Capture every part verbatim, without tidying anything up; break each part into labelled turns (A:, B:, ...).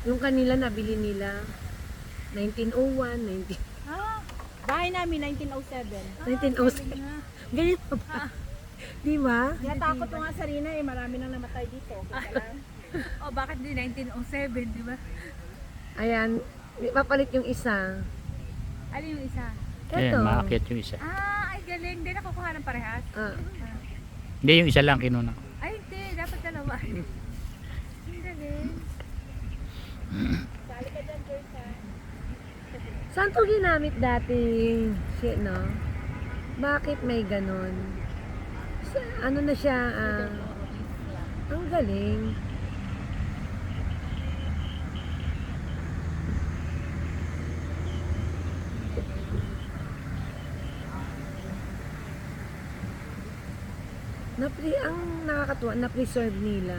A: Yung kanila nabili nila nineteen oh one, nineteen
B: Ah, bahay namin nineteen oh seven.
A: nineteen oh seven. Ganyan pa ba? Di ba?
B: Natakot ko nga sa Rina eh, marami nang namatay dito. Kaya lang.
C: Oh, bakit di nineteen oh seven, di ba?
A: Ayan, papalit yung isa.
C: Ano yung isa?
A: Ito.
D: Ayan, maakyat yung isa.
C: Ah, ay galing. Hindi nakukuha ng parehas.
A: Ah,
D: Hindi, yung isa lang kinuna.
C: Ay, hindi. Dapat dalawa. Ang galing.
B: Sali ka dyan, Joyce ha.
A: saan to ginamit dati? Shit, no? Bakit may ganon? Sa- ano na siya? ah, ang galing. Napre ang nakakatuwa, na-preserve nila.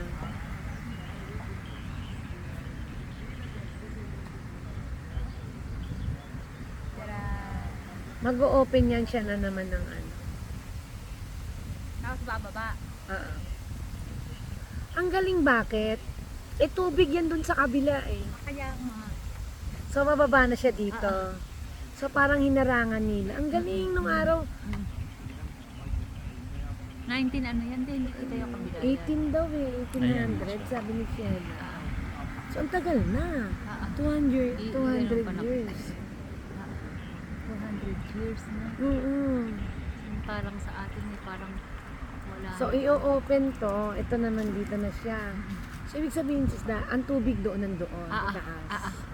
C: Tara.
A: Mag-o-open yan siya na naman ng ano.
C: Tapos bababa.
A: Ah. Ang galing bakit? Eh tubig yan dun sa kabila eh.
C: Kaya mga
A: So mababa na siya dito. So parang hinarangan nila. Ang galing nung araw.
C: nineteen ano yan din. Ito yung kabila.
A: eighteen daw eh. eighteen hundred sabi ni Fiona. So ang tagal na.
C: Ah, ah.
A: two hundred,
C: I-
A: two hundred
C: ilan ang panahon?
A: years.
C: two hundred years na.
A: Mm-mm.
C: Parang sa atin eh, parang wala.
A: So i-open to. Ito naman dito na siya. So ibig sabihin sis na ang tubig doon nandoon.
C: Ah, ah.
A: Itaas.
C: Ah, ah.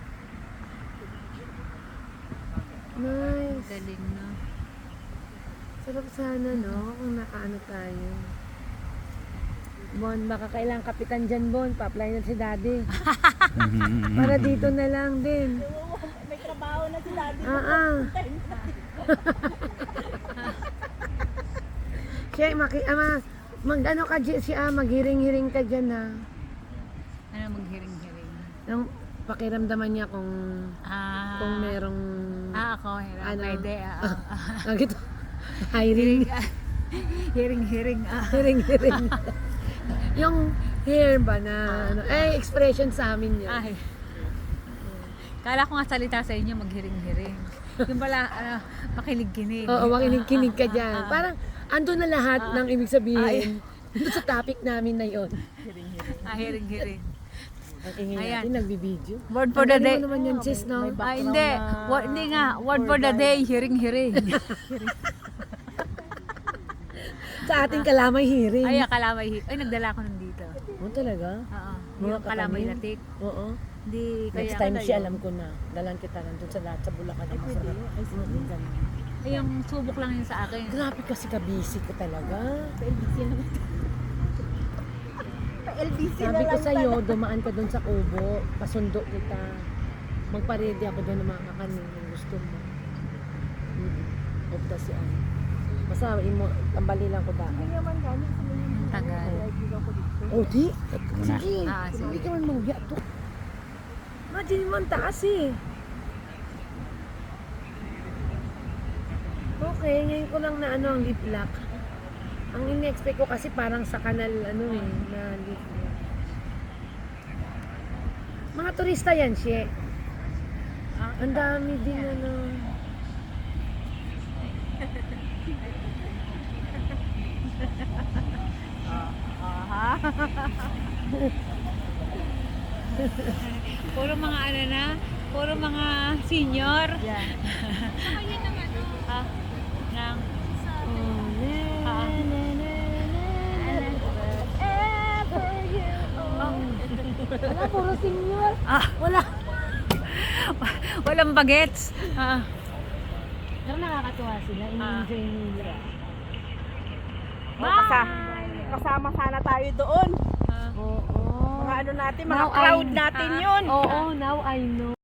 A: Nice.
C: Galing na.
A: Sarap sana, no? Kung nakaano tayo. Bon, baka kailangan kapitan dyan, Bon. Pa-apply na si Daddy. Para dito na lang din.
B: May trabaho na si Daddy.
A: Ah, ah. Siya, maki, ama, mag ano ka dyan, siya, maghiring-hiring ka dyan, ha.
C: Ano maghiring-hiring?
A: Nang pakiramdaman niya kung,
C: Ah.
A: kung merong,
C: Ah, ako. Hirap.
A: Ano?
C: Pwede. Ah, ah, ah.
A: ah, gito, hiring,
C: Hiring-hiring. Ah.
A: hiring-hiring. Yung hair ba na, ano, eh, expression sa amin yun.
C: Ay. Kala ko nga salita sa inyo, maghiring-hiring. Yung pala, ano, makinig-kinig.
A: Oo, makinig-kinig ka dyan.
C: Ah, ah,
A: Parang, ando na lahat ng ibig sabihin.
C: Ay.
A: Doon sa topic namin na yon.
C: Ah, hiring-hiring.
A: Ang ingay
C: Ayan.
A: natin, nagbibideo.
C: Word for
A: Ang
C: the
A: galing
C: day.
A: mo naman yan, sis, no?
C: Ah, hindi. Word, hindi nga. Word for the day, hiring-hiring.
A: Sa ating kalamay hearing.
C: Ay, kalamay. hi- Ay, nagdala ko nun dito.
A: Oo, talaga?
C: Oo.
A: Mga
C: Yung kalamay
A: katanim?
C: latik.
A: Oo.
C: Hindi, kaya
A: Next time
C: ano
A: siya,
C: yun.
A: alam ko na. Dalan kita nandun sa lahat sa Bulacan. Ay, masarap. Ay, mm, ganun.
C: Ay, yung subok lang yun sa akin.
A: Grabe kasi kabisi ko talaga.
B: L B C na lang. L B C na
A: Sabi ko
B: lang
A: sa'yo,
B: talaga.
A: dumaan ka doon sa kubo. Pasundo kita. Magpa-ready ako doon ng mga kakanin kung gusto mo. Mm. Opta si Anne. Basta, imo, tambali lang ko dahil.
B: Hindi naman galing sa mga
C: Ang tagal.
B: kaibigan ko dito.
A: Oh, di?
D: Muna.
A: Sige.
C: Ah, sige.
A: Hindi ka man mangya to. Imagine mo ang taas eh. Okay, ngayon ko lang na ano ang lip lock. Ang in-expect ko kasi parang sa kanal ano eh, na lip lock. Mga turista yan, siya. Ang dami din ano.
C: Puro mga ano na, puro mga senior.
B: Yeah.
C: Ah, ng,
A: Oh, na,
C: Ah.
A: na, na, na, na. Wherever you are. Wala, puro senior.
C: ah,
A: Wala.
C: walang bagets. Ah,
A: Pero nakakatuwa sila, in-enjoy nila.
B: Oh, kasa- kasama sana tayo doon.
C: ah.
A: Oo.
B: Mga ano natin, mga
A: Now
B: crowd
A: I-
B: natin
C: Ah,
B: yun.
A: Oo, now I know.